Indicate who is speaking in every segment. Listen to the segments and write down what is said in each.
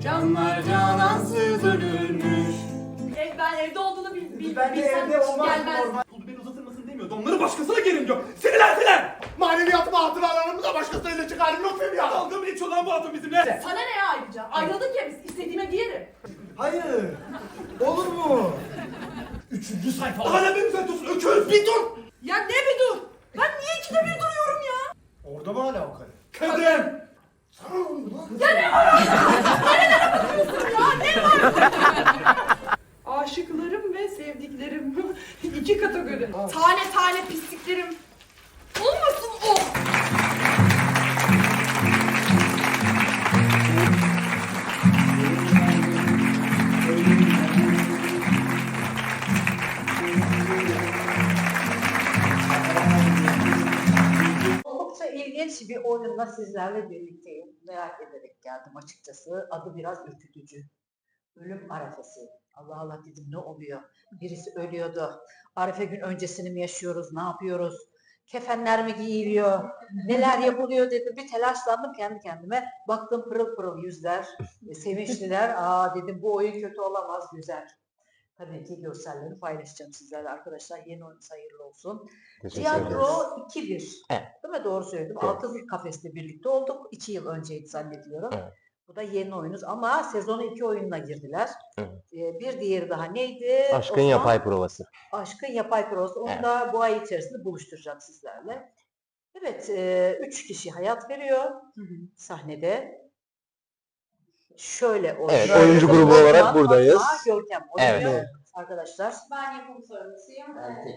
Speaker 1: Canlar canansız ölürmüş.
Speaker 2: Ben evde olduğunu bilsem
Speaker 1: Ben de evde olmaz
Speaker 2: gelmez.
Speaker 1: normal. Pulu beni uzatır mısın demiyordu. Onları başkasına gerin diyor. Sinirlendiler. Maneviyatımı hatıralarımı da başkasıyla çıkarım yok benim ya. Dalga mı geçiyor lan bu adam bizimle?
Speaker 2: Sana ne ya ayrıca? Ayrıldık ya biz. İstediğime giyerim.
Speaker 1: Hayır. Olur mu? Üçüncü sayfa. Hala beni düzeltiyorsun. Öküz bir dur.
Speaker 2: Ya ne bir dur? Ben niye ikide bir duruyorum ya?
Speaker 1: Orada mı hala o karı? Kadın. Sana ne oluyor lan?
Speaker 2: Ya ne var? Nerelere bakıyorsun ya? Ne var? Aşıklarım ve sevdiklerim. İki kategori. Tane tane pisliklerim. Olmasın o.
Speaker 3: Oldukça ilginç bir oyunla sizlerle birlikteyim. Merak ederek geldim açıkçası. Adı biraz ürkütücü. Ölüm arefesi. Allah Allah dedim, ne oluyor? Birisi ölüyordu. Arefe gün öncesini mi yaşıyoruz? Ne yapıyoruz? Kefenler mi giyiliyor? Neler yapılıyor dedim. Bir telaşlandım kendi kendime. Baktım pırıl pırıl yüzler. Sevinçliler. Aa dedim, bu oyun kötü olamaz, güzel. Tabii ki görselleri paylaşacağım sizlerle arkadaşlar. Yeni oyunuz hayırlı olsun. Tiyatro 2-1.
Speaker 4: Evet.
Speaker 3: Değil mi? Doğru söyledim.
Speaker 4: Evet.
Speaker 3: Altın Kafes'le birlikte olduk. 2 yıl önceydi zannediyorum.
Speaker 4: Evet.
Speaker 3: Bu da yeni oyunuz ama sezonu 2 oyunla girdiler.
Speaker 4: Evet.
Speaker 3: Bir diğeri daha neydi?
Speaker 4: Aşkın
Speaker 3: Osman?
Speaker 4: yapay provası.
Speaker 3: Aşkın yapay provası. Onu
Speaker 4: Evet.
Speaker 3: da bu ay içerisinde buluşturacağım sizlerle. Evet, 3 kişi hayat veriyor sahnede. Şöyle oynuyor.
Speaker 4: Evet, oyuncu grubu olarak
Speaker 3: Osman,
Speaker 4: buradayız.
Speaker 3: Fatma, Görkem oynuyor
Speaker 4: Evet.
Speaker 3: arkadaşlar.
Speaker 2: Ben yapım sorumlusuyum.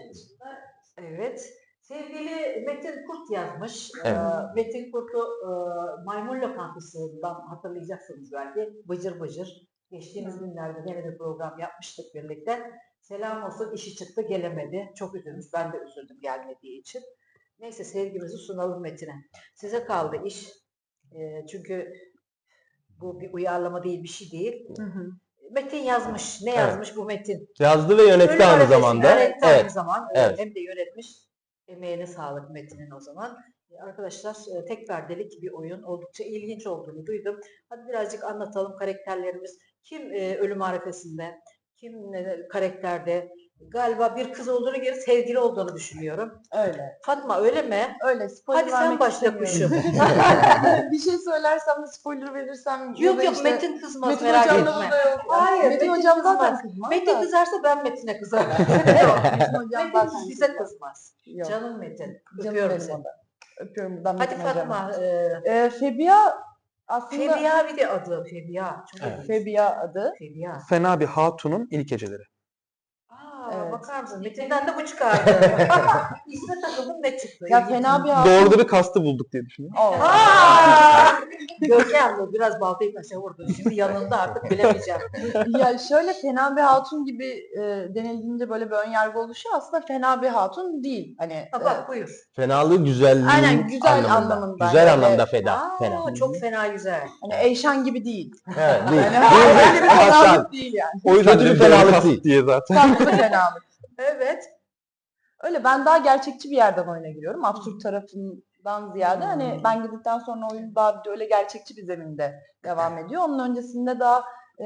Speaker 3: Evet. Sevgili Metin Kurt yazmış.
Speaker 4: Evet.
Speaker 3: Metin Kurt'u Maymun Lokantası'ndan hatırlayacaksınız belki. Bıcır bıcır. Geçtiğimiz günlerde gene bir program yapmıştık birlikte. Selam olsun, işi çıktı gelemedi. Çok üzülmüş. Ben de üzüldüm gelmediği için. Neyse, sevgimizi sunalım Metin'e. Size kaldı iş. Çünkü bu bir uyarlama değil, bir şey değil. Metin yazmış. Ne
Speaker 4: Evet.
Speaker 3: yazmış bu Metin?
Speaker 4: Yazdı ve yönetti
Speaker 3: Ölüm
Speaker 4: aynı
Speaker 3: arefesi
Speaker 4: zamanda.
Speaker 3: yönetti aynı
Speaker 4: Evet.
Speaker 3: zaman.
Speaker 4: Evet.
Speaker 3: Hem de yönetmiş. Emeğine sağlık Metin'in o zaman. Arkadaşlar, tek perdelik bir oyun. Oldukça ilginç olduğunu duydum. Hadi birazcık anlatalım karakterlerimiz. Kim ölüm arefesinde? Kim karakterde? Galiba bir kız olduğunu geri sevgili olduğunu düşünüyorum.
Speaker 5: Öyle.
Speaker 3: Fatma öyle mi?
Speaker 5: Öyle. Spoiler
Speaker 3: Hadi sen
Speaker 5: vermek
Speaker 3: başla kuşum.
Speaker 5: istemiyorum. Bir şey söylersem de spoiler verirsem... ya
Speaker 3: Yok
Speaker 5: da
Speaker 3: yok,
Speaker 5: işte
Speaker 3: Metin kızmaz,
Speaker 5: Metin
Speaker 3: merak
Speaker 5: hocam da
Speaker 3: etme.
Speaker 5: burada yok.
Speaker 3: Hayır,
Speaker 5: Metin
Speaker 3: Metin
Speaker 5: hocam zaten
Speaker 3: kızmaz.
Speaker 5: kızmaz
Speaker 3: Metin
Speaker 5: da.
Speaker 3: kızarsa ben Metin'e kızarım.
Speaker 5: Yok, Metin hocam zaten
Speaker 3: Metin bize
Speaker 5: kızmaz.
Speaker 3: kızmaz.
Speaker 5: Yok.
Speaker 3: Canım Metin.
Speaker 5: Canım
Speaker 3: Öpüyorum
Speaker 5: benim
Speaker 3: seni.
Speaker 5: o da. Öpüyorum buradan
Speaker 3: Hadi
Speaker 5: Metin hocama.
Speaker 3: Fatma.
Speaker 5: Febiya aslında...
Speaker 3: Febiya bir de adı. Febiya. Çok
Speaker 4: Evet.
Speaker 3: ilginç.
Speaker 5: Febiya adı.
Speaker 3: Febiya.
Speaker 6: Fena bir hatunun ilk geceleri.
Speaker 3: Aa,
Speaker 5: Evet.
Speaker 3: bakar mısın? Metin'den de bu çıkardı. İsme takıldım, ne çıktı?
Speaker 5: Ya
Speaker 3: İlginç.
Speaker 5: fena bir hatun.
Speaker 6: Doğru da bir kastı bulduk diye düşünüyorum.
Speaker 5: Oo.
Speaker 3: Aa! Görkem bu biraz baltayı taşa vurdu. Şimdi yanında artık bilemeyeceğim.
Speaker 5: Ya şöyle, fena bir hatun gibi denildiğinde böyle bir ön yargı oluşuyor. Aslında fena bir hatun değil. Hani
Speaker 3: Ha, bak buyur.
Speaker 4: Fenalığı güzelliğin
Speaker 5: Aynen, güzel
Speaker 4: anlamında.
Speaker 5: anlamında.
Speaker 4: Güzel
Speaker 5: Öyle-
Speaker 4: anlamda feda.
Speaker 3: Aa,
Speaker 4: Fena.
Speaker 3: çok fena güzel.
Speaker 5: hani Eyşan gibi değil.
Speaker 4: Evet, değil.
Speaker 5: Yani öyle bir
Speaker 4: Hasan.
Speaker 5: fenalık değil yani.
Speaker 6: O yüzden
Speaker 4: Kötü bir
Speaker 6: dedim doğru
Speaker 4: fenalık
Speaker 6: kast
Speaker 4: değil.
Speaker 6: diye zaten.
Speaker 5: Tatlı bir fenalık.
Speaker 3: Evet.
Speaker 5: Öyle, ben daha gerçekçi bir yerden oyuna giriyorum. Absürt tarafından ziyade hani ben girdikten sonra oyun daha bir de öyle gerçekçi bir zeminde devam ediyor. Onun öncesinde daha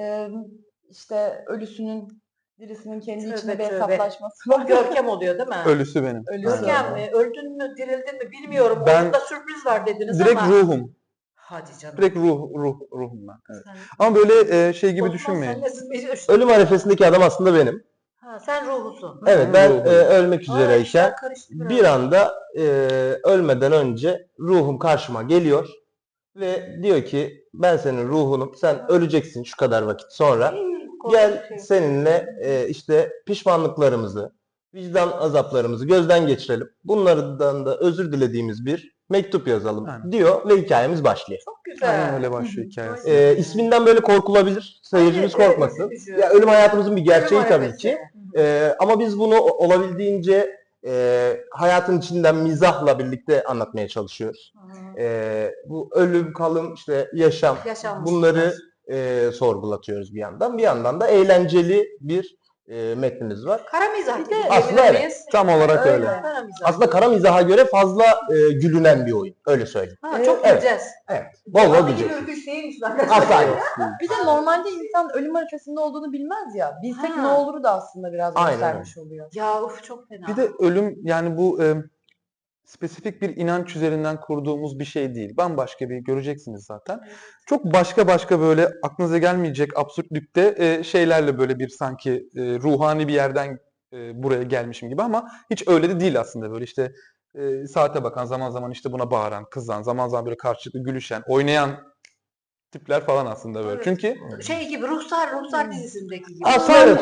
Speaker 5: işte ölüsünün dirisinin kendi
Speaker 3: Tövbe,
Speaker 5: içinde bir
Speaker 3: tövbe.
Speaker 5: hesaplaşması var.
Speaker 3: Görkem oluyor değil mi?
Speaker 6: Ölüsü benim.
Speaker 5: Ölüsü.
Speaker 3: Görkem öldün mü, dirildin mi bilmiyorum.
Speaker 6: Ben-
Speaker 3: Orada sürpriz var dediniz
Speaker 6: Direkt
Speaker 3: ama.
Speaker 6: ruhum.
Speaker 3: Hadi canım.
Speaker 6: Direkt ruhum ben. Evet.
Speaker 3: Sen-
Speaker 6: Ama böyle şey gibi
Speaker 3: Osman,
Speaker 6: düşünmeyin.
Speaker 3: sen nesin?
Speaker 4: Ölüm arefesindeki adam aslında benim.
Speaker 3: Ha, sen ruhusun.
Speaker 4: Evet, ben
Speaker 6: Ruhum.
Speaker 4: ölmek
Speaker 3: Aa, işler
Speaker 4: üzereyken
Speaker 3: karıştı biraz.
Speaker 4: bir anda ölmeden önce ruhum karşıma geliyor ve diyor ki ben senin ruhunum, sen öleceksin şu kadar vakit sonra.
Speaker 3: Korkunç
Speaker 4: Gel
Speaker 3: şey.
Speaker 4: seninle işte pişmanlıklarımızı, vicdan azaplarımızı gözden geçirelim. Bunlardan da özür dilediğimiz bir mektup yazalım
Speaker 6: Aynen.
Speaker 4: diyor ve hikayemiz başlıyor.
Speaker 3: Çok güzel.
Speaker 6: Aynen öyle başlıyor hikayesi.
Speaker 4: İsminden böyle korkulabilir. Seyircimiz
Speaker 3: Evet,
Speaker 4: korkmasın.
Speaker 3: üzücü.
Speaker 4: Ya ölüm hayatımızın bir gerçeği
Speaker 3: Ölüm
Speaker 4: tabii
Speaker 3: arefesi.
Speaker 4: ki. Ama biz bunu olabildiğince hayatın içinden mizahla birlikte anlatmaya çalışıyoruz. Bu ölüm, kalım, işte yaşam,
Speaker 3: Yaşanmış.
Speaker 4: bunları sorgulatıyoruz bir yandan. Bir yandan da eğlenceli bir metnimiz var.
Speaker 3: Kara mizah
Speaker 5: Bir
Speaker 3: gibi
Speaker 5: de-
Speaker 4: Aslında
Speaker 3: diyebilir
Speaker 4: evet.
Speaker 3: miyiz?
Speaker 6: Tam olarak öyle.
Speaker 3: Kara mizah.
Speaker 4: Aslında kara mizaha göre fazla gülünen bir oyun. Öyle söyleyeyim.
Speaker 3: Ha, çok
Speaker 4: Evet.
Speaker 3: güleceğiz.
Speaker 4: Evet. Bol bol
Speaker 3: Adı gibi
Speaker 4: güleceğiz.
Speaker 3: ürküş değilmiş
Speaker 4: Asla yok.
Speaker 5: Bir de normalde insan ölüm arifesinde olduğunu bilmez ya. Bilsek
Speaker 3: Ha.
Speaker 5: ne oluru da aslında biraz
Speaker 4: Aynen
Speaker 5: göstermiş oluyor.
Speaker 3: Ya uf çok fena.
Speaker 6: Bir de ölüm yani bu spesifik bir inanç üzerinden kurduğumuz bir şey değil. Bambaşka bir göreceksiniz zaten. Çok başka böyle aklınıza gelmeyecek absürtlükte şeylerle böyle bir sanki ruhani bir yerden buraya gelmişim gibi ama hiç öyle de değil aslında böyle işte saate bakan zaman zaman işte buna bağıran, kızan, zaman zaman böyle karşılıklı gülüşen, oynayan tipler falan aslında böyle.
Speaker 3: Evet.
Speaker 6: Çünkü
Speaker 3: Şey gibi Ruhsar dizisindeki gibi.
Speaker 4: Aslında evet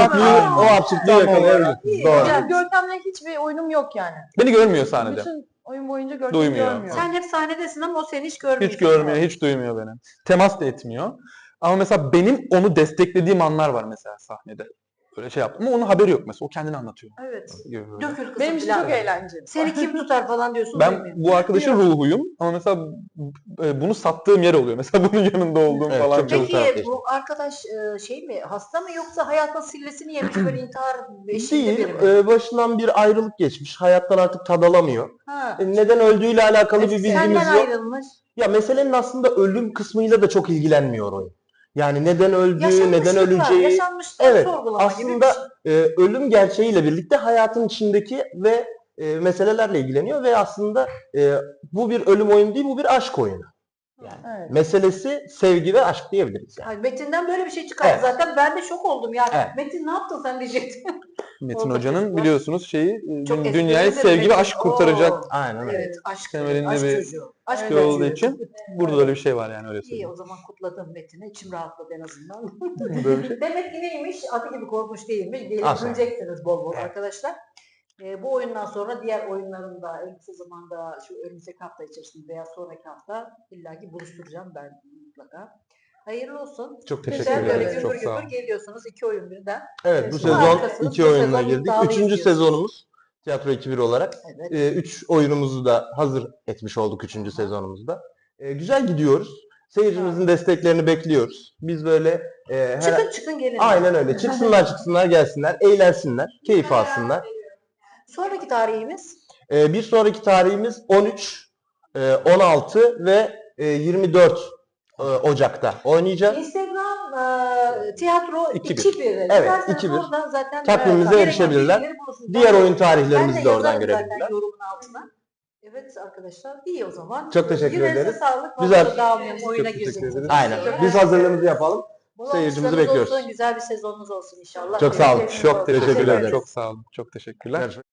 Speaker 4: o absürtlüğü
Speaker 6: Tam
Speaker 4: yakalayabilirsiniz.
Speaker 3: olarak.
Speaker 4: Doğru.
Speaker 5: Hocam Görkem'le hiçbir oyunum yok yani.
Speaker 6: beni görmüyor sahnede.
Speaker 5: Bütün oyun boyunca Görkem'i
Speaker 6: Duymuyor.
Speaker 5: görmüyor.
Speaker 3: Sen hep sahnedesin ama o seni hiç görmüyor.
Speaker 6: Hiç görmüyor, hiç duymuyor beni. Temas da etmiyor. Ama mesela benim onu desteklediğim anlar var mesela sahnede. Böyle şey yaptım ama onun haberi yok mesela. O kendini anlatıyor.
Speaker 3: Evet.
Speaker 6: Gibi böyle.
Speaker 3: Dökül kızım
Speaker 5: Benim için
Speaker 3: falan.
Speaker 5: çok eğlenceli.
Speaker 3: Seni kim tutar falan diyorsun.
Speaker 6: Ben
Speaker 3: duymuyor.
Speaker 6: bu arkadaşın ruhuyum ama mesela bunu sattığım yer oluyor. Mesela bunun yanında olduğum
Speaker 4: Evet,
Speaker 6: falan
Speaker 4: çok
Speaker 6: çok.
Speaker 4: güzel.
Speaker 3: Peki bu arkadaş şey mi hasta mı yoksa hayatın sillesini yemiş böyle intihar eşiğinde
Speaker 4: Değil,
Speaker 3: biri mi?
Speaker 4: başından bir ayrılık geçmiş. Hayattan artık tad alamıyor.
Speaker 3: Ha.
Speaker 4: Neden öldüğüyle alakalı bir bilgimiz
Speaker 3: Senden
Speaker 4: yok.
Speaker 3: ayrılmış.
Speaker 4: Ya meselenin aslında ölüm kısmıyla da çok ilgilenmiyor oyun. Yani neden öldüğü, neden öleceği.
Speaker 3: Yaşanmışlar
Speaker 4: Evet,
Speaker 3: sorgulama gibi bir
Speaker 4: aslında ölüm gerçeğiyle birlikte hayatın içindeki ve meselelerle ilgileniyor ve aslında bu bir ölüm oyunu değil, bu bir aşk oyunu. Yani
Speaker 5: Evet.
Speaker 4: meselesi sevgi ve aşk diyebiliriz yani.
Speaker 3: Yani Metin'den böyle bir şey çıkardı
Speaker 4: Evet.
Speaker 3: zaten ben de şok oldum yani.
Speaker 4: Evet.
Speaker 3: Metin ne yaptın sen diyecektim.
Speaker 6: Metin
Speaker 3: Orada
Speaker 6: Hoca'nın
Speaker 3: kızlar-
Speaker 6: biliyorsunuz şeyi
Speaker 3: Çok
Speaker 6: dünyayı
Speaker 3: esprilidir
Speaker 6: sevgi ve
Speaker 3: Metin.
Speaker 6: aşk kurtaracak
Speaker 3: Oo.
Speaker 4: Aynen öyle.
Speaker 3: Evet aşk,
Speaker 6: temelinde
Speaker 3: aşk
Speaker 6: bir
Speaker 3: çocuğu. Aşk
Speaker 6: şey
Speaker 3: çocuğu.
Speaker 6: olduğu için burada da öyle bir şey var yani öyle
Speaker 3: İyi
Speaker 6: söyleyeyim.
Speaker 3: o zaman kutladım Metin'i. İçim rahatladı en azından.
Speaker 6: Böyle bir şey.
Speaker 3: Demek ki neymiş? Adı gibi korkmuş değilmiş. Gelip
Speaker 4: Asla.
Speaker 3: göreceksiniz bol bol
Speaker 4: Evet.
Speaker 3: arkadaşlar. Bu oyundan sonra diğer oyunların da en kısa zamanda şu önümüzdeki hafta içerisinde veya sonraki hafta illaki buluşturacağım ben mutlaka. Hayırlı olsun.
Speaker 6: Çok
Speaker 3: Güzel
Speaker 6: teşekkür
Speaker 3: böyle
Speaker 6: ederim.
Speaker 3: gümbür
Speaker 6: Çok sağ
Speaker 3: gümbür
Speaker 6: oyun.
Speaker 3: geliyorsunuz. 2 oyun birden.
Speaker 4: Evet, bu
Speaker 3: Evet,
Speaker 4: sezon
Speaker 3: harikasınız.
Speaker 4: 2
Speaker 3: Bu
Speaker 4: oyunla
Speaker 3: sezon
Speaker 4: girdik.
Speaker 3: iddialıyız
Speaker 4: 3.
Speaker 3: diyorsunuz.
Speaker 4: sezonumuz Tiyatro ekibi olarak.
Speaker 3: Evet.
Speaker 4: 3 oyunumuzu da hazır etmiş olduk 3. sezonumuzda. Güzel gidiyoruz. Seyircimizin desteklerini bekliyoruz. Biz böyle
Speaker 3: Çıkın gelin.
Speaker 4: aynen öyle. Çıksınlar gelsinler, eğlensinler, keyif alsınlar.
Speaker 3: Sonraki tarihimiz
Speaker 4: Bir sonraki tarihimiz 13, 16 ve 24 Ocak'ta oynayacağız.
Speaker 3: Instagram tiyatro
Speaker 6: 2-1.
Speaker 3: 2-1.
Speaker 4: Evet,
Speaker 3: Dilerseniz
Speaker 4: 2-1.
Speaker 3: oradan zaten
Speaker 4: Takvimimize
Speaker 3: gereken
Speaker 4: erişebilirler.
Speaker 3: bilgileri bulursunuz.
Speaker 4: Diğer oyun
Speaker 3: Ben
Speaker 4: tarihlerimizi de oradan
Speaker 3: yazarım zaten
Speaker 4: görebilirler.
Speaker 3: yorumun altına. Evet arkadaşlar iyi o zaman.
Speaker 4: Çok teşekkür
Speaker 3: Yüreğinize
Speaker 4: ederiz.
Speaker 3: sağlık.
Speaker 4: Güzel.
Speaker 3: Fazla dağılmayalım. Oyuna
Speaker 6: Çok teşekkür
Speaker 3: gireceğiz.
Speaker 6: ederiz.
Speaker 4: Aynen. Biz hazırlığımızı yapalım.
Speaker 3: Bol
Speaker 4: Seyircimizi
Speaker 3: alkışlarınız
Speaker 4: bekliyoruz.
Speaker 3: olsun, güzel bir sezonunuz olsun inşallah.
Speaker 4: Çok sağ olun.
Speaker 3: Bereketiniz
Speaker 6: Çok
Speaker 3: olsun.
Speaker 6: teşekkürler.
Speaker 4: ederiz.
Speaker 6: Çok sağ olun. Çok teşekkürler.
Speaker 4: Görüşmek